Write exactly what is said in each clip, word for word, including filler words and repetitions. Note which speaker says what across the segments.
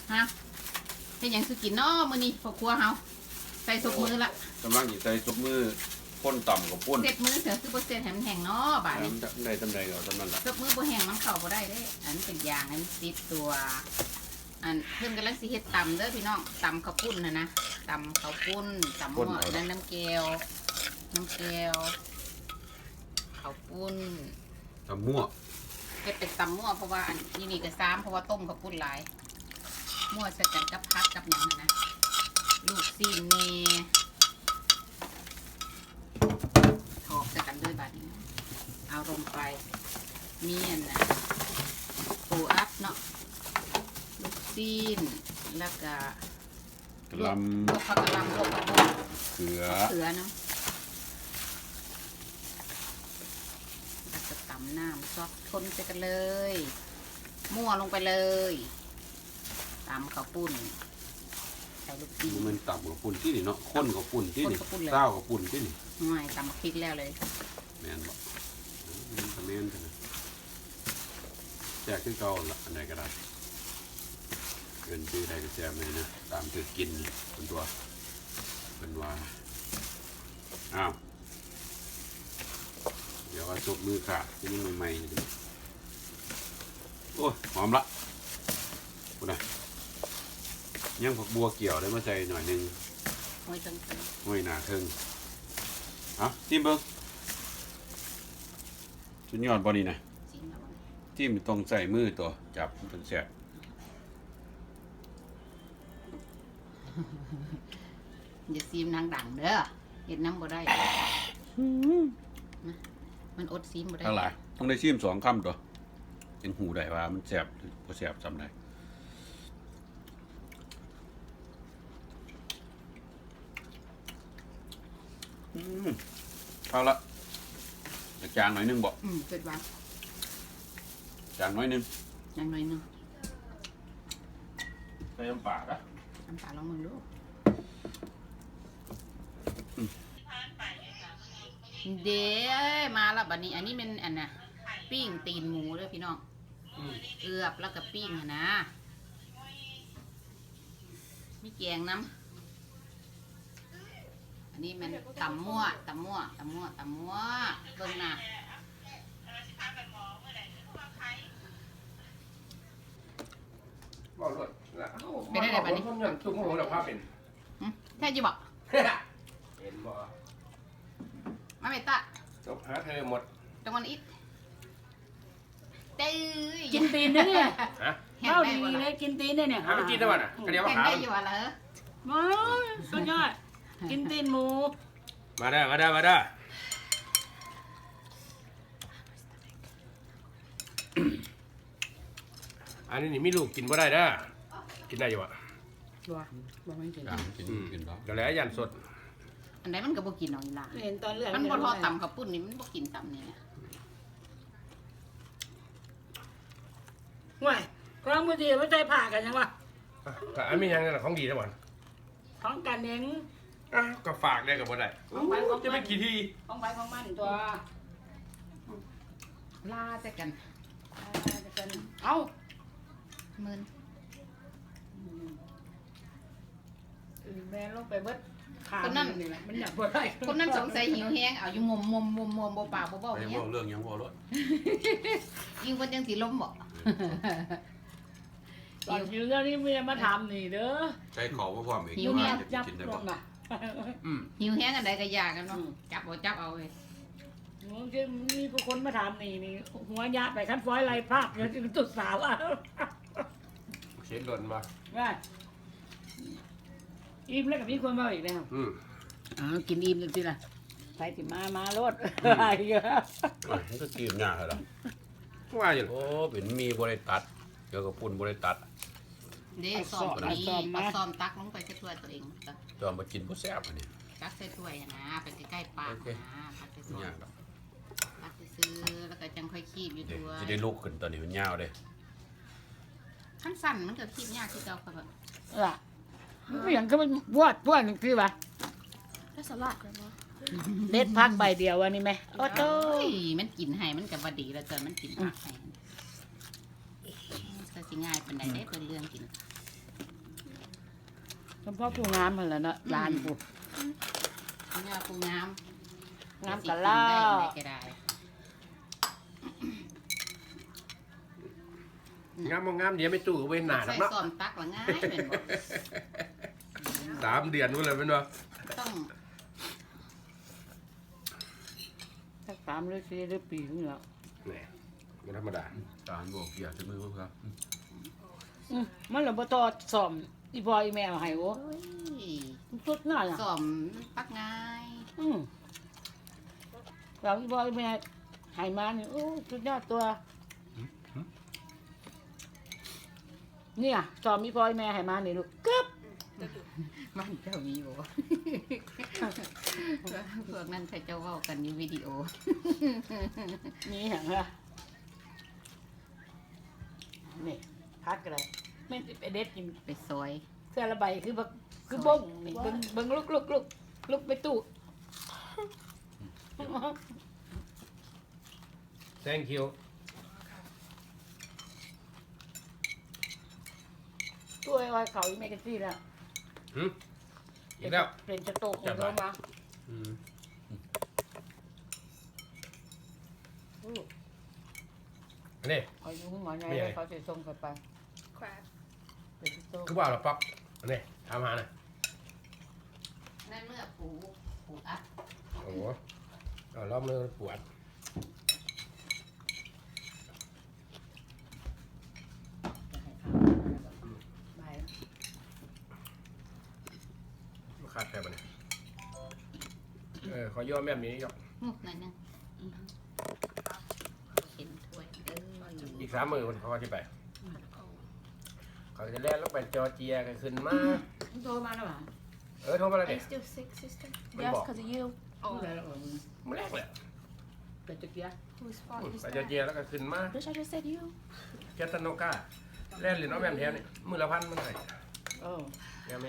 Speaker 1: ฮะเป็นอย่างสุกินเนาะมื้อนี้พ่อครัวเฮาใส่ซุปมือละ
Speaker 2: กำลังอยู่ใส่ซุปมือพ่นต่ำกับพ่น
Speaker 1: เสร็จมือเสือคือบ่เสร็จให้มันแห้งเนาะบาดนี้
Speaker 2: ได้ทำใดก็ทำนั่นละ
Speaker 1: ซุปมือบ่แห้งมันเข้าบ่ได้เด้อันนเป็นยางอันติดตัวอันเพิ่นกำลังสิเฮ็ดตำเด้อพี่น้องตำข้าวปุ้นน่ะนะตำข้าวปุ้นตำหม้อนั่นน้ำแก้วน้ำแก้วข้าวปุ้น
Speaker 2: ตำมั่ว
Speaker 1: เฮ็ดเป็นตำมั่วเพราะว่าอันนี้นี่ก็ซ้ำเพราะว่าต้มข้าวปุ้นหลายมั่วใส่กันกับผักกับหยังน่ะนะลูกซีนเน่ถอกใส่กันด้วยบาดนี้เอาลงไปเมียนน่ะปูอัพเนาะลูกซีนแล้วก็
Speaker 2: กระล
Speaker 1: ลวกผักกะหล่ำลวกผักบุ้ง
Speaker 2: ำเขือ
Speaker 1: เขือเนาะแล้วก็ตำน้ำซอสคนใส่กันเลยมั่วลงไปเลยตำข้าวปุ้นใส่ลูกซีน
Speaker 2: มันต่ำกับปุ่นที่นี่เนาะข้นกับปุ่นที่นี่
Speaker 1: ข้นกับปุ่นเลย
Speaker 2: เต้ากับปุ่นที่นี่
Speaker 1: ง่ายตำพริกแล้วเลย
Speaker 2: แมนบอกมันทำแมนกันนะแจกขึ้นเก่าละอันไหนก็ได้เกินชื่อใดก็แจกเลยนะตามถือกินนี่เป็นตัวเป็นว่าอ้าวเดี๋ยวว่าซุปมือขาดที่นี่ใหม่ๆอยู่โอ้ยหอมละกูนะยังผักบัวเกี่ยวได้มาใส่หน่อยหนึง
Speaker 1: ห้อยจังจัง
Speaker 2: ห้วยหนาเทิงเอาจิ้มเบิ้งสุดยอดบอนี่นะ
Speaker 1: จริงแล้ว
Speaker 2: จิ้มตรงใส่มือตัวจับมันเป็นแสบ
Speaker 1: อย่าซีมนางดังเด้อเห็ดน้ำบ่ได้นะมันอดซีมบ่ได้
Speaker 2: เท่าไหร่ต้องได้ชิมสองคำตัวเป็นหูได้ว่ามันแสบหรือบ่แสบจำได้อืมเอาละจะจางหน่อยหนึงบอก
Speaker 1: อืมเกิดว่า
Speaker 2: จางหน่อยหนึง
Speaker 1: อย่างหน่อยหนึง
Speaker 2: ใส่น้ำปลาละ
Speaker 1: น้ำตาลองมึงดูเด้มาแล้วบัดนี้อันนี้เป็นอันน่ะปิ้งตีนหมูเด้อพี่น้องเอือบแล้วก็ปิ้งหั่นนะมีแกงน้ำอันนี้มันตำมั่วตำมั่วตำมั่วตำมั่วเบิ่งหน้า
Speaker 3: บอกรถ
Speaker 1: เป็นได้ไงบัดนี้
Speaker 3: ผมยังตุ้มหัวเราภาพเป็น
Speaker 1: หึแท้จิบอก
Speaker 3: เห็นบ่
Speaker 1: มาเมตตา
Speaker 3: จบหาเธอหมด
Speaker 1: จังหวันอีกตื้อ
Speaker 4: กินตีนนะเนี่ย
Speaker 3: ฮะ
Speaker 1: เห็น
Speaker 4: เข้า
Speaker 1: ได้
Speaker 4: ดี
Speaker 1: บ่
Speaker 4: เล
Speaker 1: ล่ะ
Speaker 4: ยกินตีนเนี่ยเนี่ย
Speaker 3: หาไปกินได้ป่ะน่ะกระเดียว
Speaker 1: เห็น
Speaker 3: ขาว
Speaker 1: ได้อยู่อ่ะเหรอ
Speaker 4: โอ้ยสุดยอดกินตีนหมู
Speaker 3: มาได้มาได้มาได้อันนี้นี่มีลูกกินบ่ได้เด้อกินได้อยู่อ่ะ
Speaker 4: บัวบัวไม่กิน
Speaker 2: จางกินกินแล้ว
Speaker 3: เดี๋ยวแล้วยันสด
Speaker 1: อันไหนมันก็บ่กินเอาอีหล่ะ
Speaker 4: เห็นตอนเลือด
Speaker 1: มันบ่ทอดต่ำกับปุ้นนี่มันบ่กินต่ำนี่นะ
Speaker 4: ห่วยกลางมือดีไม่ใจผ่ากันยังวะ
Speaker 3: อ่ะอันมียังไงของดีนะบ่อน
Speaker 4: ท้องกันเอง
Speaker 3: อ่ะก็ฝากได้กับบ่ได้จะไปกี่ที
Speaker 4: ของไปของมันตัว
Speaker 1: ลาแต่กัน
Speaker 4: จะเป็นเอ้า
Speaker 1: หมื่น
Speaker 4: แม่ลงไปเบิดขานี่แหละมันอยากบ่ได้
Speaker 1: คนนั้นสงสัยหิวแห้งเอาอยู่มุมมุมมุมมุมบ่ปากบ่เว้า
Speaker 2: ไป
Speaker 1: อย่าง
Speaker 2: ยั
Speaker 1: เงี้ย
Speaker 2: งว่าเรื่องยังว่ารถ
Speaker 1: ยิงคนจังสิล้มบ่
Speaker 4: ตอนอยู่เรื่องนี้ไม่ได้มาทำนี่เด้อ
Speaker 2: ใจขอว่าพ่อเอง
Speaker 4: อยู่
Speaker 2: ว่า
Speaker 4: เนี่ย
Speaker 2: จะ
Speaker 4: จับ
Speaker 2: กินได้
Speaker 4: ร
Speaker 2: บ่
Speaker 4: ถมา
Speaker 3: อืม
Speaker 1: หิวแห้งอันใดก็ยากกันเนาะจับเอาจับเอาเว้ย
Speaker 4: มึงจะมีผู้คนมาทำนี่นี่หัวยาไปขั้นฟอยไรภาพเดี๋ยวจะตุดสาวอ่ะ
Speaker 3: เช็ดหล่นมา
Speaker 4: ว่าอิ่มแล้วกับมีคนมาอีกแล้ว
Speaker 3: อืม
Speaker 4: อ๋อกินอิ่มจังสิล่ะไปสิมามาโลดเยอะ
Speaker 2: อ่ะมันก็กินยากเหรอ
Speaker 3: ว่าอยู่
Speaker 2: โอ้เป็นมีบริตัดเกี่ยวกับปุ่นบริตัด
Speaker 1: เด้ซ้อมนี้เอาซ้อมตักลงไปใส่ถ้วยตัวเองตัก
Speaker 2: จอมมากินบ่แซ่บอันนี้
Speaker 1: ตักใส่ถ้วยอะนะไปใกล้ๆปากนะตักใส่ถ้วย
Speaker 2: ยากดอก
Speaker 1: ตักซื้อแล้วก็จังค่อยคีบอยู่
Speaker 2: เดี๋ยว
Speaker 1: ถ้วย
Speaker 2: จะได้ลุกขึ้นตอนนี้มันยาวเลย
Speaker 1: ขั้นสั้นมันก็คีบยากที่เก่าครับแบบ
Speaker 4: ล่ะไม่อย่างก็มันวอดวอดหนึ่งคือวะ
Speaker 5: ถ้าสลัดกันเนาะ
Speaker 4: เด็ดพักใบเดียววันนี้ไหมโอ้โต
Speaker 1: โอ้ยมันกินให้มันกับบดีแล้วเกินมันกินผักให้ก็สิง่ายเป็นไดได้เป็นเรื่องกิน
Speaker 4: เฉพาะผู้งามเหรอเนาะลานผู้
Speaker 1: เนี่ยปูงาม
Speaker 4: งามกะล่า
Speaker 1: ได้ไหนก็ได้
Speaker 3: งามบ่งามเดี๋ยวไม่ตู้เว้นหนาด
Speaker 1: ใส่
Speaker 3: เนาะ
Speaker 1: ซ้อมตักละง่ายเป็นบ่
Speaker 3: สามเดือนนู่นเลยเป็นว่า
Speaker 1: ต้อง
Speaker 4: สักสามหรือสี่หรือปีนี่แหละ
Speaker 3: แหน่ไม่ธรรมดา
Speaker 2: ตาบอกเกี่ยวจะมือครับ
Speaker 4: อืมมันเหลือบ่ต่อสอมอีพ่ออีแม่เอาให้โว้
Speaker 1: โอ้ย
Speaker 4: มันสุดหน่อยอ่ะ
Speaker 1: ซ้อมตักง่าย
Speaker 4: อืมเราอีพ่ออีแม่ให้มานี่โอ้สุดยอดตัวเนี่ยสอมอีพ่ออีแม่ให้มานี่ลูกกึ๊บ
Speaker 1: มันเจ้ามีบ่พวกนั้นเขาเจ้าเว้ากันอยู่วิดีโอ
Speaker 4: มีอย่างละนี่พักกันเลยไม่ไปเด็ดกิน
Speaker 1: ไปซอย
Speaker 4: เสื้อระบายคือแบบคือบ้งนี่เบิ่งเบิ่งลุกลุกลุกลุกไปตู้
Speaker 3: thank you
Speaker 4: ตู้ไอ้อ้อยเขาอีเมกันซี่แล้ว
Speaker 3: หึอีกแล้ว
Speaker 4: เป็นจะโตกของเรามา
Speaker 3: อืม
Speaker 4: อู้
Speaker 3: อันนี้
Speaker 4: เอาอยู่หมอใหญ่
Speaker 3: ไม่ใหญ่
Speaker 4: เขาจะส่งไป
Speaker 5: crab
Speaker 4: เป็นจะโตก
Speaker 3: คือว่าเราป๊อกอันนี้ทำหาหน่อย
Speaker 1: นั่นเมื่อปูปูอัด
Speaker 3: โอ้โหเอารอบมือปวด
Speaker 4: จะให้ข้าวใบ
Speaker 3: มาขาดแค่ปะเนี่ยเออขอย่อแม่แบบนี้หรอก
Speaker 1: มุกหน่อยหนึงเห็นถ้วยเด้อ
Speaker 3: อีกสามมือคนเขาก็จะไปเขาจะแล่นลงไปจอร์เจียกันขึ้นมา
Speaker 4: มันโตมาแล้วเหรอ
Speaker 3: เออโทรมาเลย
Speaker 5: Are
Speaker 3: เด็
Speaker 5: you still sick sister
Speaker 3: Mình
Speaker 5: yes
Speaker 3: bỏ.
Speaker 5: because of you
Speaker 4: ผู้ใดแล้วเหรอมึง
Speaker 3: มาแรกเลย
Speaker 4: เป็นจะเกี้ย
Speaker 5: whose fault is
Speaker 3: ไปจอร์เจีย
Speaker 5: that
Speaker 3: แล้วก็ขึ้นมา
Speaker 5: bitch I just said you
Speaker 3: แคตตาโนกาแล่นเหรียญน้องแม่แถวนี่มือละพันมันไง
Speaker 4: เออ
Speaker 3: แม่แม่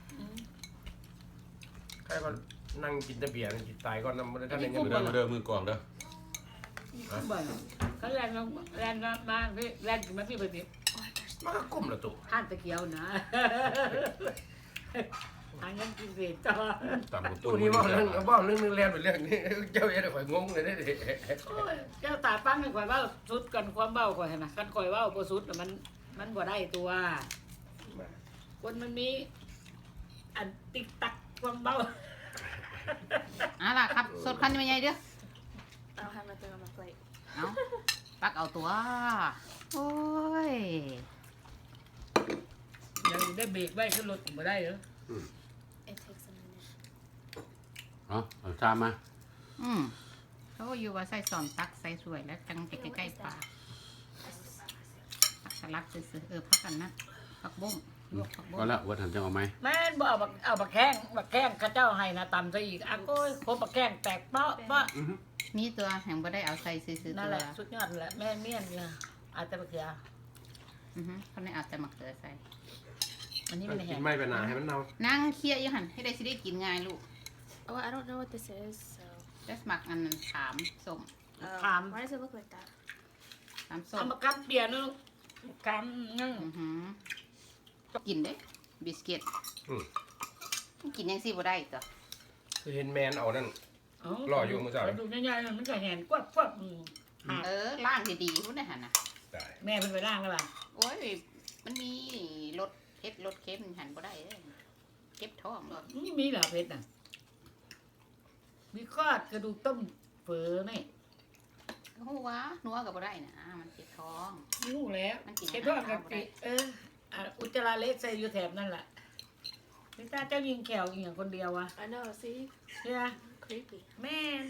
Speaker 3: ใครก็นั่งกินแต่เบียร์นี่จิตตายก่อนนะมันท่านเอง
Speaker 2: มือเด้อมือเด้อมือกองเด้อ
Speaker 4: ขึ้นบ่อยเขาแลนลงแลนมาพี่แลนมาพี่ไปสิ
Speaker 3: มันก็ก้มละตัว
Speaker 4: ห้านตะเกียวนะหาเงินกินเศษต่อ
Speaker 2: ตาม
Speaker 3: ตัวนี้บอกเรื่องบอกเรื่องนึงแล่นเป็นเรื่องนี้เจ้าเอ๋ข่อยงงเลยนี่
Speaker 4: โอ้ยเจ้าตาปั้งให้ข่อยเว่าสุดกันความเบ้าข่อยนะกันข่อยเว่าบ่สุดน่ะมันมันบ่ได้ตัว คนมันมีอันติ๊กตักความเบ้า
Speaker 1: เอ่ะล่ะครับสดคันยังไงเด้อ
Speaker 5: I don't have nothing on my plate
Speaker 1: เอาปักเอาตัว โอ้ย
Speaker 4: ยังได้เบรกไว้ขึ้นรถบ่ได้เหรอ
Speaker 5: it takes a minute
Speaker 2: เอาเอาชามมา
Speaker 1: อืมเขาก็อยู่ว่าใส่ซอมตักใส่สวยแล้วจังไปใกล้ๆปลาผักสลัดซื้อๆเออพักกันนะผักบุ้งลวกผักบุ้
Speaker 2: ก็
Speaker 1: ง
Speaker 2: แล้ววัดหันจะเอาไหม
Speaker 4: แม่นบ่เอาบักเอาบักแข้งบักแข้งเข้าเจ้าให้นะตำซะอีกอ่ะโอ้ยโคบักแข้งแตกเปาะเปาะ
Speaker 1: มีตัวแห่งบ่ได้เอาใส่ซื้อๆ
Speaker 4: นั่
Speaker 1: ตั
Speaker 4: น
Speaker 1: ว
Speaker 4: แหละสุดยอดแหละแม่เมี่ยนเนี่ยอาจจะบักเขือ
Speaker 1: อือฮึเขาไม่เอาแต่มะเขือใส่
Speaker 4: อันนี้
Speaker 3: มั
Speaker 4: มัน นแห้
Speaker 3: กิ
Speaker 4: ง
Speaker 3: นไม่เป็นหนาให้มันเน่า
Speaker 1: นั่งเคลียร์อยู่หันให้ได้สิได้กินง่ายลูก
Speaker 5: oh I don't know what this is so
Speaker 1: จะสมัครอันนั้นถามส้ม
Speaker 5: um, why does it look like that
Speaker 1: ถามส้
Speaker 4: เอา
Speaker 1: ม
Speaker 4: มากัดเบียร์นึงกัดนึง
Speaker 1: อือฮึกินเด้บิสกิต
Speaker 3: อืม
Speaker 1: กินยังสิบ่ได้ตัว
Speaker 3: คือเห็นแมนเอานั่น
Speaker 4: เาร
Speaker 3: ออยู่มื้อเช้า
Speaker 4: ดูใหญ่ๆมันก็แห้งกวับกวับอืมหา
Speaker 1: เออล่างดีๆพุ่นน่ะหั่นน่ะ
Speaker 3: ได้
Speaker 4: แม่เพิ่นไปล่างแล้วล่ะ
Speaker 1: โอ้ยมันมีรสเผ็ดรสเค็มหันบ่ได้เด้เก็บท้องบ่
Speaker 4: นี่มีเหรอเพชรน่ะมีคอดกระดูกต้มเฝอนี่
Speaker 1: โอ้ว้านัวก็บ่ได้นะมันเจ็บท้อง
Speaker 4: รู้แล้ว
Speaker 1: มันกิน
Speaker 4: แค่ทอดกับ
Speaker 1: อาหารบ่ได้
Speaker 4: เอออ่ะอุจจาระเล็กใส่อยู่แถบนั่นแหละพี่ตาเจ้ายิงแขวอีกอย่างคนเดียววะ
Speaker 5: I know see
Speaker 4: ใช่ไหม
Speaker 5: creepy
Speaker 4: แม่น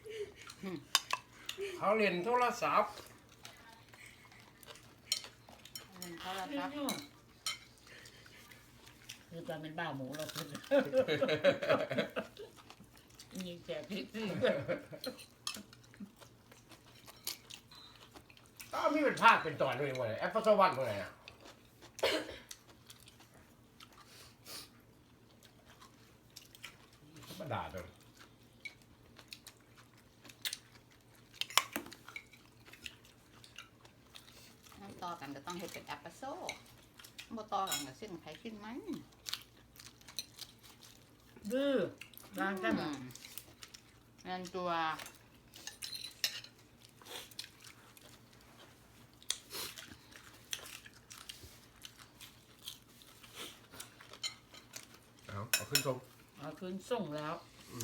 Speaker 3: เขาเรียนโทรศัพท์
Speaker 1: เขาละครับ
Speaker 4: คือตอนเป็นบ้าหมูเราคือยิงแจกพี่ซี่
Speaker 3: ก็มีเป็นภาคเป็นตอนด้วยวะแอปเปิลสวรรค์วะไหนอ่ะธรรมดาเลย
Speaker 1: ต่อกันก็ต้องเฮ็ดเป็นแอปเปิลโซ่บ่ต่อกันก็ซึ่งไผขึ้นมัน
Speaker 4: ดื้อร้านกัน
Speaker 1: อืมนั่นตัว
Speaker 3: เอาเอาขึ้นชม
Speaker 4: เอาคืนส่งแล้ว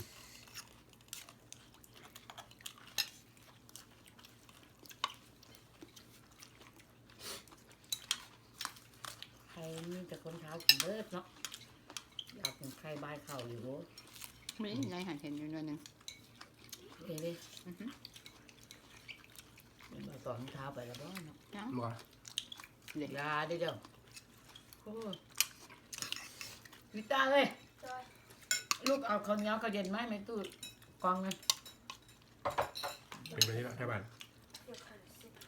Speaker 4: ใครมีแต่คนเท้ากินเบิดเนาะอยากกินใครบายเข่าอยู่โว้
Speaker 1: มีในหันเห็นอยู่หน่อยหนึง
Speaker 4: เอ้ยดิ
Speaker 1: อือฮึ
Speaker 4: มันมาสอนเท้าไปแล้วบ่เนาะ
Speaker 1: ยัง
Speaker 3: บ่
Speaker 1: เด็ก
Speaker 4: ยาได้เด้อโอ้วิตาเลย ลูกเอาข้าวเหนียวข้าวเย็นไหมไม่ตู้กองเลย
Speaker 3: เป็นไปที่ละแค่บ้าน
Speaker 5: You're kind of sick.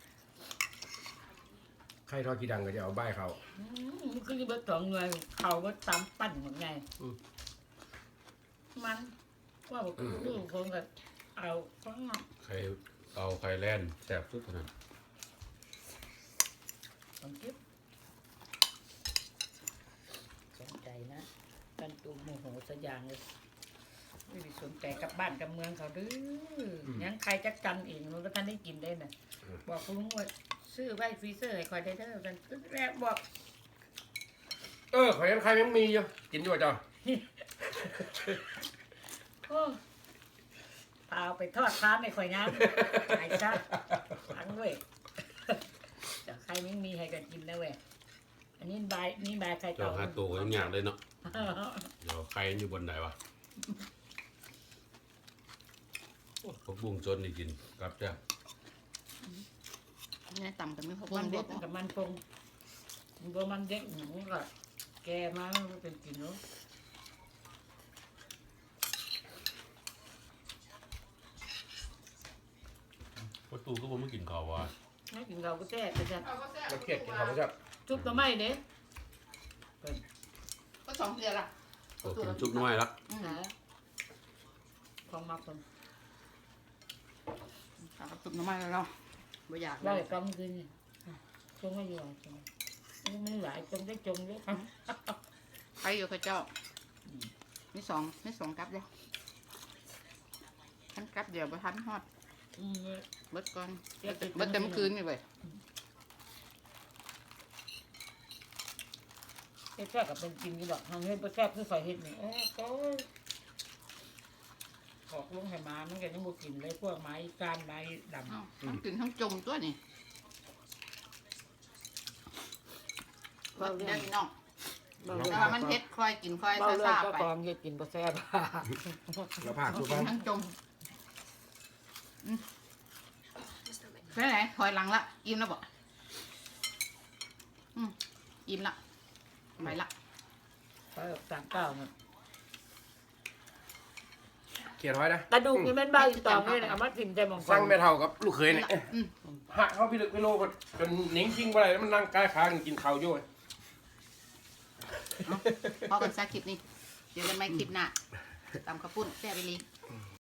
Speaker 3: ใครทอดกี่ดังก็จะเอาใบายเขา
Speaker 4: อืมมันคือเบิดสองหน่วยเขาก็ตามปั้นเหมือนไง
Speaker 3: อืม
Speaker 4: มันว่าบอกลูกคงกับเอาข้างนอก
Speaker 2: ใครเอาใครแล่นแซ่บสุดเท่านั้น
Speaker 4: ต้องคิดสนใจนะกันตูโมโหสักอย่างเลยไม่ได้สนใจกับบ้านกับเมืองเขาดื้อยังใครจักจันเองมันก็ท่านได้กินได้น่ะบอกคุณลุงว่าซื้อไว้ฟรีเซอร์ให้คอยได้เด้อกันแรกบอก
Speaker 3: เออขอยังใครยังมีอยู่กินอยู่จ้ะ
Speaker 4: โอ้เอาไปทอดค้านในข่อยงามหายซะทั้งเว้ยจะใครไม่มีให้กันกินนะเว้ยอันนี้ใบนี่ใบไข่
Speaker 2: เจ้า
Speaker 4: เต่า
Speaker 2: หาตัวก็ยังยากเลยเนาะเดี๋ยวใครอยู่บนไหนวะพวกบุ้งจนนี่กินครับจ้า
Speaker 1: นี่ต่ำกันไม่พบ
Speaker 4: มั
Speaker 1: วัน น
Speaker 4: เด็
Speaker 1: เด็
Speaker 4: ด
Speaker 1: ด
Speaker 4: กับมันปรุงบ่มันเด็กหนูก็แกมามันเป็นกินเนาะ
Speaker 2: ประตูก็บ่ไม่กินข้าวว่ะ
Speaker 4: ไม่กินเราก็แซ่บไปจ้ะ
Speaker 3: เราเครียดกินเขาไม่ชอบ
Speaker 4: จุ๊บก็ไม่เด้
Speaker 1: ก็สองเดือนละ
Speaker 2: โอ้กินจุ๊บน้อยละ
Speaker 4: นะของมาคน
Speaker 1: เอาตุ่มน้ำมันแล้วเนาะไม่อยากเล
Speaker 4: ได้
Speaker 1: ย
Speaker 4: กำคืนนี่จงไม่อยู่จงไม่หลายจงได้จงเยอะครับ
Speaker 1: ไปอยู่กับเจ้านี่สองนี่สองกับเดียวทันกับเดียวไปทันฮอด
Speaker 4: อืม
Speaker 1: เบิดก่อนเบิดแต่เมื่อคืนนี่เว้ย
Speaker 4: แซ่บกับเป็นกินกี่ดอกทางเฮ็ดบ่แซ่บคือฝ่ายเฮ็ดนี่เอ้ก็ขอกลงให้มามันก็ยังบ่กินเลยพวกไม้การไม้ดำ
Speaker 1: อ้าวทั้งกินทั้งจมตัวนี่เบิดเดี๋ยวพี่น้องแต่ว่ามันเฮ็ดคอยกินคอย
Speaker 4: เบาเรื่อง
Speaker 1: ซ่า
Speaker 4: ก็
Speaker 1: ๆไป
Speaker 4: กองเฮ็ดกินบ่แซ่บ
Speaker 3: แล้วผักทุก
Speaker 1: กิ
Speaker 3: คน น
Speaker 1: ทั้งจม
Speaker 5: Just don't make
Speaker 1: ไปไหนถอยหลังละอิ่มแล้วบ่อืมอิ่มละไปละ
Speaker 4: ไปสามเก้าน่ะ
Speaker 3: เขียนไว้นะ
Speaker 4: กระดูกนี่มันเบาอยู่ตองนี่เอามากินใจมอง
Speaker 3: สั่งไม่เท่ากับลูกเขยเนี่ย
Speaker 1: อืม
Speaker 3: หักเข้าพี่ลึกพี่โลจนหนิงชิงไปเลยแล้วมันนั่งกายค้างกินข้าวอยู่
Speaker 1: พอกันซะคลิปนี้เจอกันใหม่คลิปหน้าตามข้าวปุ้นแซ่บไปเลย